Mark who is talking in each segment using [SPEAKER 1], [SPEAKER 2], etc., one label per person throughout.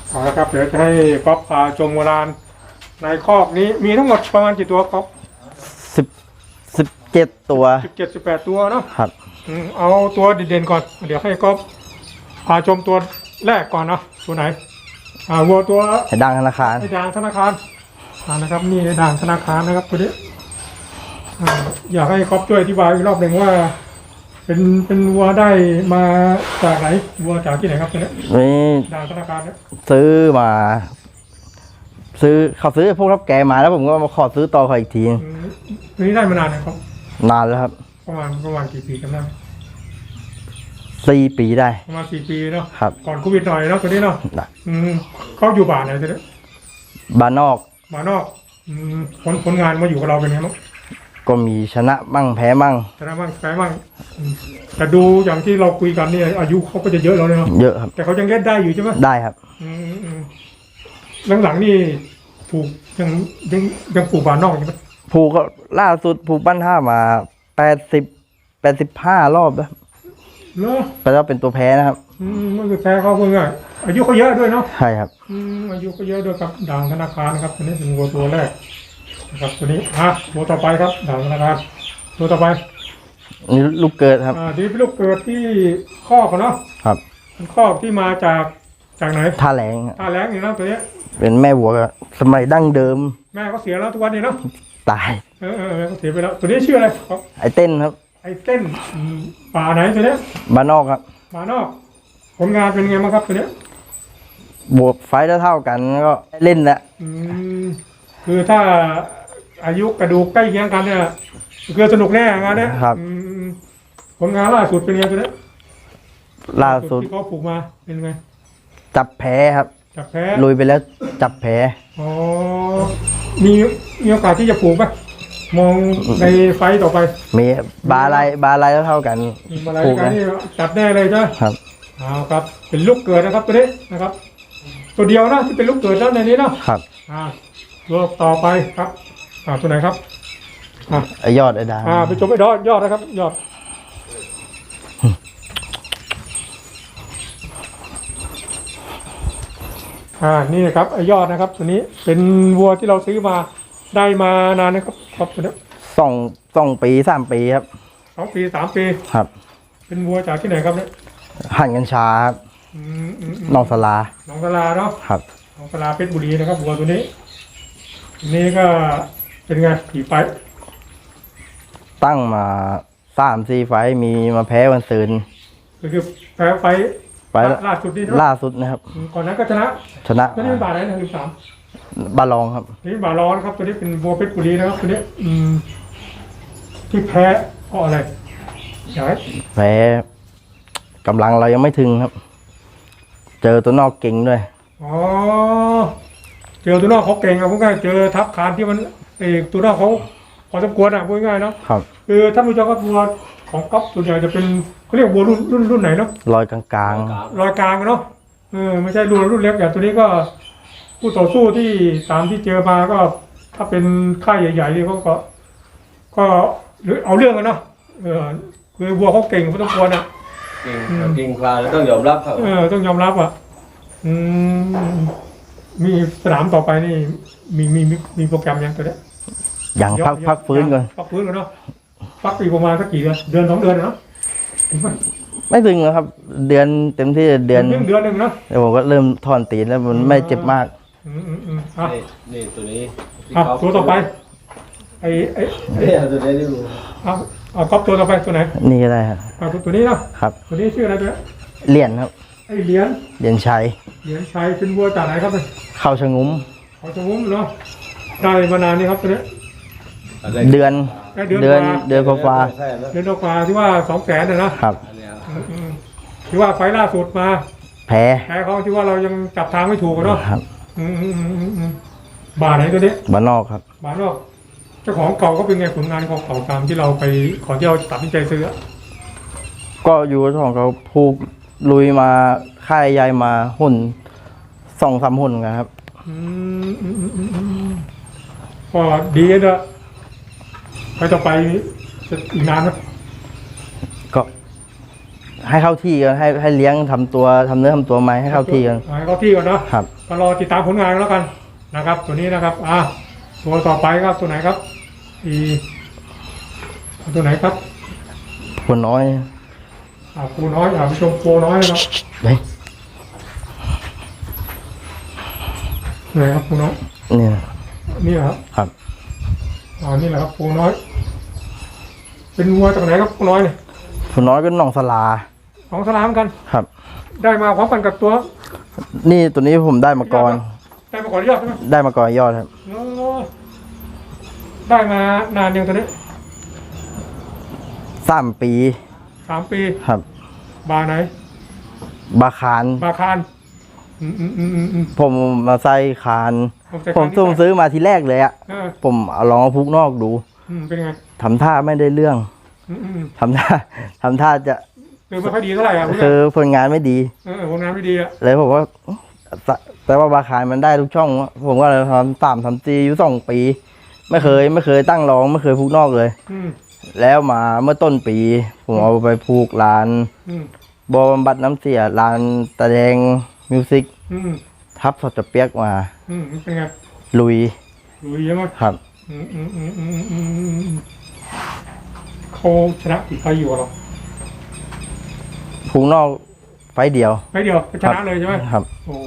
[SPEAKER 1] เอาละครับเดี๋ยวจะให้ก๊อฟพาชมโบราณในคอกนี้มีทั้งหมดประมาณกี่ตัวก๊อฟ
[SPEAKER 2] สิบ17 ตัว
[SPEAKER 1] 17-18ตัวเนาะ
[SPEAKER 2] ครับ
[SPEAKER 1] เอาตัวเด่นๆก่อนเดี๋ยวให้ก๊อฟพาชมตัวแรกก่อนเนาะตัวไหนวัวตัว
[SPEAKER 2] ไอ้ดังธนาคาร
[SPEAKER 1] ไอ้ด่างธนาคารนะครับนี่ไอ้ด่างธนาคารนะครับตัวนี้อยากให้ก๊อฟช่วยอธิบายอีกรอบหนึ่งว่าเป็นวัวได้มาจากไหนวัวจากที่ไหนครับตัวนี้
[SPEAKER 2] นี่
[SPEAKER 1] ด่างธนาคารเนี่ย
[SPEAKER 2] ซื้อเขาซื้อพวกรับแกมาแล้วผมก็มาขอซื้อต่อเขาอีกที
[SPEAKER 1] นี่ได้มานานนะครับ
[SPEAKER 2] นานแล้วครับ
[SPEAKER 1] ประมาณกี่ปีจำได้
[SPEAKER 2] 4 ปีได้
[SPEAKER 1] ประมาณ4 ปีเนาะ
[SPEAKER 2] ครับ
[SPEAKER 1] ก่อนโควิดหน่อยเนาะตัวนี้เนาะเขาอยู่บ้านไหนตัวนี้
[SPEAKER 2] บ้านนอก
[SPEAKER 1] ผลงานมาอยู่กับเราเป็นไงบ้าง
[SPEAKER 2] ก็มีชนะมั่งแพ้มั่ง
[SPEAKER 1] แต่ดูอย่างที่เราคุยกันนี่อายุเขาก็จะเยอะแล้วเนาะ
[SPEAKER 2] เยอะครับ
[SPEAKER 1] แต่เขายังเล่นได้อยู่ใช่ไหม
[SPEAKER 2] ได้ครับ
[SPEAKER 1] หลังๆนี่ผูกยังผูกบ้านนอกใช่ไหม
[SPEAKER 2] ผูกก็ล่าสุดผูกบ้านท่ามา85 รอบแล้ว
[SPEAKER 1] เนาะ
[SPEAKER 2] แต่ว่าเป็นตัวแพ้นะครับ
[SPEAKER 1] มันคือแพ้เขาเพิ่งอายุเขาเยอะด้วยเนาะ
[SPEAKER 2] ใช่ครับ
[SPEAKER 1] อายุเขาเยอะด้วยครับด่างธนาคารนะครับตัวนี้เป็นวัวตัวแรกนะครับตัวนี้ตัวต่อไปครับด่างธนาคารตัวต่อไป
[SPEAKER 2] นี่ลูกเกิดครับ
[SPEAKER 1] นี่เป็นลูกเกิดที่คอกเนาะ
[SPEAKER 2] ครับ
[SPEAKER 1] เป็นคอกที่มาจากไหน
[SPEAKER 2] ท่าแรง
[SPEAKER 1] นี่นะตัวนี้
[SPEAKER 2] เป็นแม่วัวสมัยดั้งเดิม
[SPEAKER 1] แม่เขาเสียแล้วทุกวันนี้เนาะ
[SPEAKER 2] ตาย
[SPEAKER 1] เขาเสียไปแล้วตัวนี้ชื่ออะไรครับ
[SPEAKER 2] ไอเต้นครับ
[SPEAKER 1] ไอเต้นป่าไหนตัวนี้
[SPEAKER 2] บ้านนอกครับ
[SPEAKER 1] บ้านนอกผลงานเป็นไงบ้างครับตัวนี้
[SPEAKER 2] บวกไฟเท่ากันก็เล่นละ
[SPEAKER 1] คือถ้าอายุกระดูกใกล้เคียงกันเนี่ยคือสนุกแน่งานเนี้ย
[SPEAKER 2] ครับ
[SPEAKER 1] ผลงานล่าสุดเป็นไงตัวนี้
[SPEAKER 2] ล่าสุด
[SPEAKER 1] ที่เขาผูกมาเป็นไง
[SPEAKER 2] จับแพ้ครับ
[SPEAKER 1] จับแพ้
[SPEAKER 2] ลุยไปแล้วจับแพ้
[SPEAKER 1] มีโอกาสที่จะผูกไหมมองในไฟต่อไป
[SPEAKER 2] มีบาลายเท่ากัน
[SPEAKER 1] ผูกกันนี่จับแน่เลยใช่
[SPEAKER 2] ครับ
[SPEAKER 1] ครับเป็นลูกเกิดนะครับตัวนี้นะครับตัวเดียวนะที่เป็นลูกเกิดแล้วในนี้เนาะ
[SPEAKER 2] ครับ
[SPEAKER 1] ตัวต่อไปครับตัวไหนครับ
[SPEAKER 2] ไอยอดไอดา
[SPEAKER 1] ไปชมไอยอดนะครับยอดนี่นะครับไอยอดนะครับตัวนี้เป็นวัวที่เราซื้อมาได้มานานนะครับตัวนี้
[SPEAKER 2] 2 ปี 3 ปีครับ
[SPEAKER 1] 2 ปี 3 ปี
[SPEAKER 2] ครับ
[SPEAKER 1] เป็นวัวจากที่ไหนครับเนี่ย
[SPEAKER 2] หั่นกัญชาครับหนองสลา
[SPEAKER 1] เนาะ
[SPEAKER 2] ครับ
[SPEAKER 1] หนองสลาเพชรบุรีนะครับวัวตัวนี้ก็เป็นไงกี่ไฟ
[SPEAKER 2] ตั้งมา3-4 ไฟมีมาแพ้วันซืน
[SPEAKER 1] คือแพ้ไฟล่าสุด
[SPEAKER 2] นะครับ
[SPEAKER 1] ก่อนนั้นก็ชนะตัวนี้เป็นบาทไหนนะ13
[SPEAKER 2] บาลองครับ
[SPEAKER 1] นี่บาลองครับตัวนี้เป็นวัวเพชรบุรีนะครับตัวนี้ที่แพ้เพราะอะไร
[SPEAKER 2] แพ้กำลังเรายังไม่ถึงครับเจอตัวนอกเก่งด้วย
[SPEAKER 1] เจอตัวนอกเขาเก่งครับพวกง่ายเจอทับคานที่มันตัวนอกเขาพอสมควรพูดง่ายเนาะ
[SPEAKER 2] ครับ
[SPEAKER 1] คือท่านผู้ชมก็วัวของก๊อฟส่วนใหญ่จะเป็นเขาเรียกวัวรุ่นไหนเนาะ
[SPEAKER 2] ลอยกลาง
[SPEAKER 1] ลอยกลางเนาะไม่ใช่รุ่นเล็กอย่างตัวนี้ก็ผู้ต่อสู้ที่ตามที่เจอมาก็ถ้าเป็นค่ายใหญ่ๆนี่เขาก็เอาเรื่องกันเนาะคือวัวเขาเก่งพอสมควร
[SPEAKER 3] เก่งกว่าต้องยอมรับครับ
[SPEAKER 1] ต้องยอมรับมีสนามต่อไปนี่มีโปรแกรมยังตัวนี้
[SPEAKER 2] อย่างพักฟื้นก่อน
[SPEAKER 1] เนาะพักอีกประมาณสักกี่เดือน 2 เดือนเนาะ
[SPEAKER 2] ไม่ถึงนะครับเดือนเต็มที่เดือน
[SPEAKER 1] นึงเนาะ
[SPEAKER 2] เดี๋ยวผมก็เริ่มถอนตีนแล้วมันไม่เจ็บมาก
[SPEAKER 3] นี่ตัวนี้
[SPEAKER 1] ตัวต่อไปไอ้
[SPEAKER 3] ตัวนี้ดู
[SPEAKER 1] ก๊อฟตัวต่อไปตัวไหน
[SPEAKER 2] นี่ก็ได้ครับ
[SPEAKER 1] ตัวนี้เนาะครับตัวนี้ชื่ออะไรตัว
[SPEAKER 2] เหรียญครับ
[SPEAKER 1] ไอ้เหรียญ
[SPEAKER 2] ชัย
[SPEAKER 1] เป็นวัวจากไหนครับ
[SPEAKER 2] เข้าชะงุ้ม
[SPEAKER 1] เนาะได้มานานนี่ครับตัวนี้
[SPEAKER 2] เดือนกว่า
[SPEAKER 1] ที่ว่า200,000นะครับที่ว่าไฟล่าสุดมา
[SPEAKER 2] แพ้
[SPEAKER 1] เขาที่ว่าเรายังจับทางไม่ถูกเนาะบาไหนตัวนี้
[SPEAKER 2] บ้านนอกครับ
[SPEAKER 1] บ้านนอกเจ้าของเก่าก็เป็นไงผลงานของเก่าตามที่เราไปขอที่เราตัดสินใจซื้อ
[SPEAKER 2] ก็อยู่ของเขาผูกลุยมาค่ายใหญ่มาหุ่น2-3 หุ่นกันครับ
[SPEAKER 1] ก็ดีนะไปต่อไปอีกนานไหม
[SPEAKER 2] ก็ให้เข้าที่กันให้เลี้ยงทำตัวทำเนื้อทำตัวไหมให้เข้าที่กัน
[SPEAKER 1] ให้เข้าที่ก่อนเนาะ
[SPEAKER 2] ครับ
[SPEAKER 1] ก็รอติดตามผลงานแล้วกันนะครับ ตัวนี้นะครับตัวต่อไปครับตัวไหนครับตัวไหนครับ
[SPEAKER 2] คนน้อย
[SPEAKER 1] ปูน้อยไปชมปูน้อยนะครับ
[SPEAKER 2] เฮ้ย
[SPEAKER 1] ไหนครับปูน้อย
[SPEAKER 2] เนี่ย
[SPEAKER 1] นี่เหรอครับ
[SPEAKER 2] ครับ
[SPEAKER 1] นี่แหละครับปูน้อย เป็นวัวจากไหนครับปูน้อยเนี่ย
[SPEAKER 2] คนน้อยก็หนองสลา
[SPEAKER 1] ของสลามกัน
[SPEAKER 2] ครับ
[SPEAKER 1] ได้มาพร้อมกันกับตัว
[SPEAKER 2] นี่ตัวนี้ผมได้มาก่อน
[SPEAKER 1] ได้มาก่อนยอดใช่ไหม
[SPEAKER 2] ได้มาก่อนยอดครับ
[SPEAKER 1] ได้มานานยังตัวนี้
[SPEAKER 2] 3 ปี
[SPEAKER 1] 3 ปี
[SPEAKER 2] ครับ
[SPEAKER 1] บาไหน
[SPEAKER 2] บาคาร
[SPEAKER 1] บาคารอืม
[SPEAKER 2] ผมมาใส่คาน ผมส่งซื้อมาทีแรกเลยอะ ผมเอาลองเอาพุกนอกดู
[SPEAKER 1] เป็นไง
[SPEAKER 2] ทำท่าไม่ได้เรื่อง ทำท่าจะ
[SPEAKER 1] คือไม่ค่อยดีเท่าไหร่
[SPEAKER 2] คือผลงานไม่ดี
[SPEAKER 1] ผลงานไม่ดี
[SPEAKER 2] เลยผมว่าแต่ว่าบาคารมันได้ทุกช่อง ผมก็เลยทำอยู่2 ปี ไม่เคยตั้งรองไม่เคยพุกนอกเลย แล้วมาเมื่อต้นปี ผมเอาไปผูกร้านบำบัดน้ำเสียร้านตะแดงมิวสิกทับสดจะเปียกมา
[SPEAKER 1] เป็นไง
[SPEAKER 2] ลุย
[SPEAKER 1] ใช่ไหม
[SPEAKER 2] ครับ
[SPEAKER 1] เขาชนะกี่ไฟอยู่หรอ
[SPEAKER 2] พุกนอกไฟเดียว
[SPEAKER 1] ชนะเลยใช่ไหม
[SPEAKER 2] ครับ
[SPEAKER 1] โอ้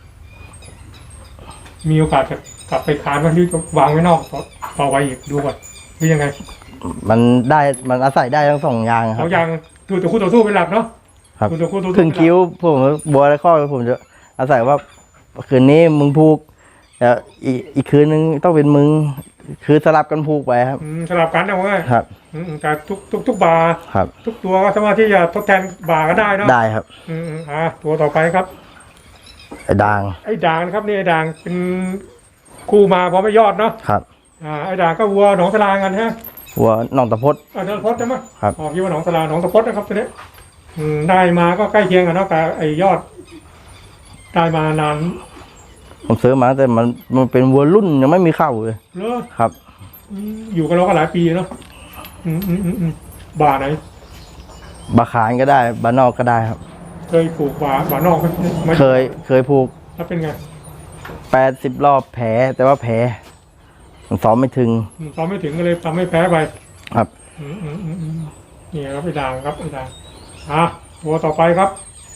[SPEAKER 1] มีโอกาสจะกลับไปคานว่าที่วางไว้นอกต่อไว้อีกดูก่อนหรือยังไง
[SPEAKER 2] มันอาศัยได้ทั้ง2 อย่างครับ
[SPEAKER 1] 2 อย่างดูตัวคู่ต่อสู้เป็นหลักเนาะ
[SPEAKER 2] ครับ
[SPEAKER 1] ตัวคู่ต่อสู้
[SPEAKER 2] ครึ่งคิ้วผมบัวและข้อผมจะอาศัยว่าคืนนี้มึงผูกแล้วอีกคืนนึงต้องเป็นมึงคือสลับกันผูกไปครับ
[SPEAKER 1] สลับกันเอาไว้
[SPEAKER 2] ครับ
[SPEAKER 1] แต่ทุกบาร์
[SPEAKER 2] ครับ
[SPEAKER 1] ทุกตัวก็สามารถที่จะทดแทนบาร์ก็ได้เนาะ
[SPEAKER 2] ได้ครับ
[SPEAKER 1] ตัวต่อไปครับ
[SPEAKER 2] ไอ้ด่าง
[SPEAKER 1] นะครับนี่ไอ้ด่างเป็นคู่มาพร้อมไม่ยอดเนาะ
[SPEAKER 2] ครับ
[SPEAKER 1] ไอ้ด่างก็วัวหนองสลากันฮะ
[SPEAKER 2] วัวหนองตะพด
[SPEAKER 1] หนองตะพดใช่ไหม
[SPEAKER 2] ครับ
[SPEAKER 1] คิดว่าหนองสลาหนองตะพดนะครับตัวนี้ได้มาก็ใกล้เคียงกันเนาะแต่ไอ้ยอดได้มานาน
[SPEAKER 2] ผมซื้อมาแต่มันเป็นวัวรุ่นยังไม่มีเข้าเลยครับ
[SPEAKER 1] อยู่กันเราก็หลายปีเนาะบาไหน
[SPEAKER 2] บาขานก็ได้บานอกก็ได้ครับ
[SPEAKER 1] เคยผูกบานอกไหม
[SPEAKER 2] เคยผูก
[SPEAKER 1] แล้วเป็นไง
[SPEAKER 2] 80 รอบแผลแต่ว่าแผลมันซ้อมไม่ถึง
[SPEAKER 1] ก็เลยทำให้แพ้ไป
[SPEAKER 2] ครับ
[SPEAKER 1] นี่ครับไอ้ด่างครับไอ้ด่างตัวต่อไปครับ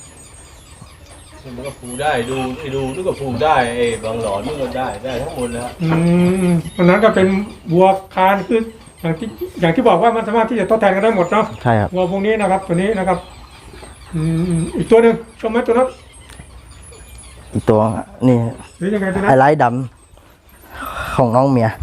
[SPEAKER 3] มันก็ผูกได้ดูนี่ก็ผูกได้บางหลอนนี่ก็ได้ทั้งหมดแล้ว
[SPEAKER 1] วันนั้นก็เป็นวัวคานคืออย่างที่บอกว่ามันสามารถที่จะทดแทนกันได้หมดเนาะ
[SPEAKER 2] ใช่ครับ
[SPEAKER 1] วัวพวกนี้นะครับตัวนี้นะครับอีกตัวหนึ่งชมไหมตัวนั้น
[SPEAKER 2] อีกตัวนี่ไอ้ไร้ดำของน้องเมีย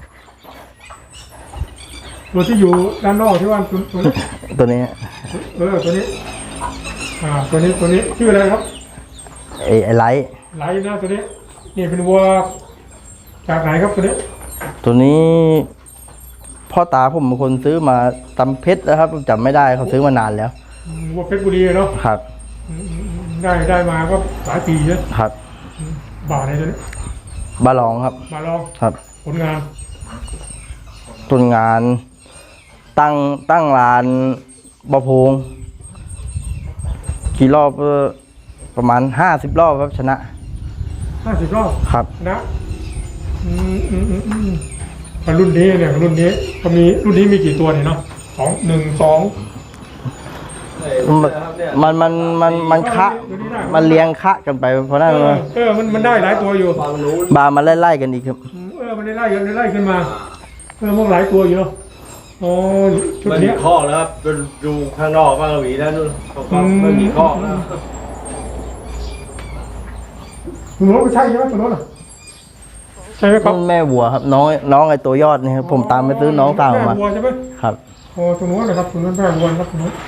[SPEAKER 1] ตัวที่อยู่ด้านนอกที่ว่า
[SPEAKER 2] ตัวนี้
[SPEAKER 1] ตัวนี้ตัวนี้ชื่ออะไรครับ
[SPEAKER 2] ไอ้ไร้
[SPEAKER 1] นะตัวนี้นี่เป็นวัวจากไหนครับตัวนี้
[SPEAKER 2] พ่อตาผมเป็นคนซื้อมาตำเพชรนะครับจำไม่ได้เขาซื้อมานานแล้ว
[SPEAKER 1] วัวเพชรบุรีเนาะ
[SPEAKER 2] ครับ
[SPEAKER 1] ได้มาก็หลายปีแล้ว
[SPEAKER 2] ครับ
[SPEAKER 1] บาไหนตัวนี้
[SPEAKER 2] บาลองครับ
[SPEAKER 1] บาลอง
[SPEAKER 2] ครับ
[SPEAKER 1] ผลงาน
[SPEAKER 2] ตั้งร้านบะพงกี่รอบประมาณ50 รอบครับชนะ
[SPEAKER 1] 50 รอบ
[SPEAKER 2] ครับ
[SPEAKER 1] นะรุ่นนี้เนี่ยรุ่นนี้ก็มีรุ่นนี้มีกี่ตัวเนี่ยเนาะ
[SPEAKER 2] มันคะมันเลี้ยงคะกันไปเพราะนั้น
[SPEAKER 1] มันได้หลายตัวอยู่
[SPEAKER 2] บามันไล่กันอีกครับ
[SPEAKER 1] มันไล่ขึ้นมาพวกหลายตัวอยู่เนาะชุดนี้
[SPEAKER 3] ข้อแล้วครับดูข้างนอกบ้างหวีแล้วนู่นก็ไม่มีข้อแล้ว
[SPEAKER 1] คุณรถไม่ใช่ใช่ไหมคุณรถใช่ไหมครับ
[SPEAKER 2] แม่วัวครับน้องไอ้ตัวยอดนี่ครับผมตามไปซื้อน้องตามมา
[SPEAKER 1] แม่วัวใช่ไหม
[SPEAKER 2] ครับ
[SPEAKER 1] ตัวนู้นนะครับตัวนั้นแม่วัวครับตัวนู้น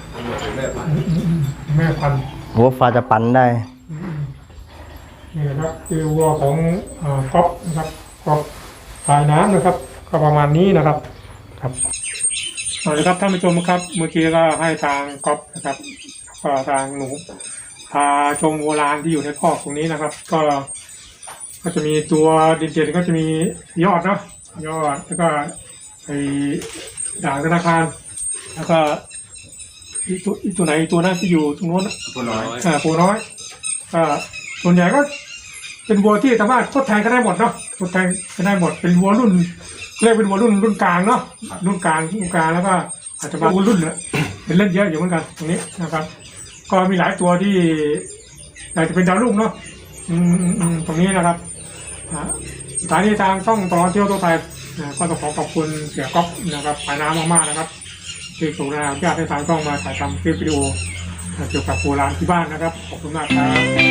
[SPEAKER 1] แม่พันธุ์
[SPEAKER 2] วัวฟ้าจะปั่นได้
[SPEAKER 1] นี่นะครับคือวัวของก๊อฟนะครับก๊อฟสายน้ำนะครับก็ประมาณนี้นะครับเอาละครับท่านผู้ชมครับเมื่อกี้ก็ให้ทางก๊อฟนะครับก็ทางหนูพาชมวัวลานที่อยู่ในคอกตรงนี้นะครับก็จะมีตัวเด่นๆก็จะมียอดเนาะยอดแล้วก็ไอ้ด่างธนาคารแล้วก็อีตัวไหนอีตัวนั้นที่อยู่ตรงโน้น
[SPEAKER 3] ตัวน้อย
[SPEAKER 1] ปูน้อยส่วนใหญ่ก็เป็นวัวที่สามารถทดแทนกันได้หมดเนาะทดแทนกันได้หมดเป็นวัวรุ่นเรียกเป็นวัวรุ่นกลางเนาะรุ่นกลางแล้วก็อาจจะมาวัวรุ่นเนี่ยเป็นเล่นเยอะอยู่เหมือนกันตรงนี้นะครับ ก็มีหลายตัวที่อยากจะเป็นดาวรุ่งเนาะตรงนี้นะครับสถานีทางช่องตลอดเที่ยวตัวไทยก็ต้องขอบคุณเสียก๊อฟนะครับปายน้ำมากๆนะครับที่ส่งแรงญาติให้ทางช่องมาถ่ายทำคลิปวิดีโอเกี่ยวกับโบราณที่บ้านนะครับขอบคุณมากครับ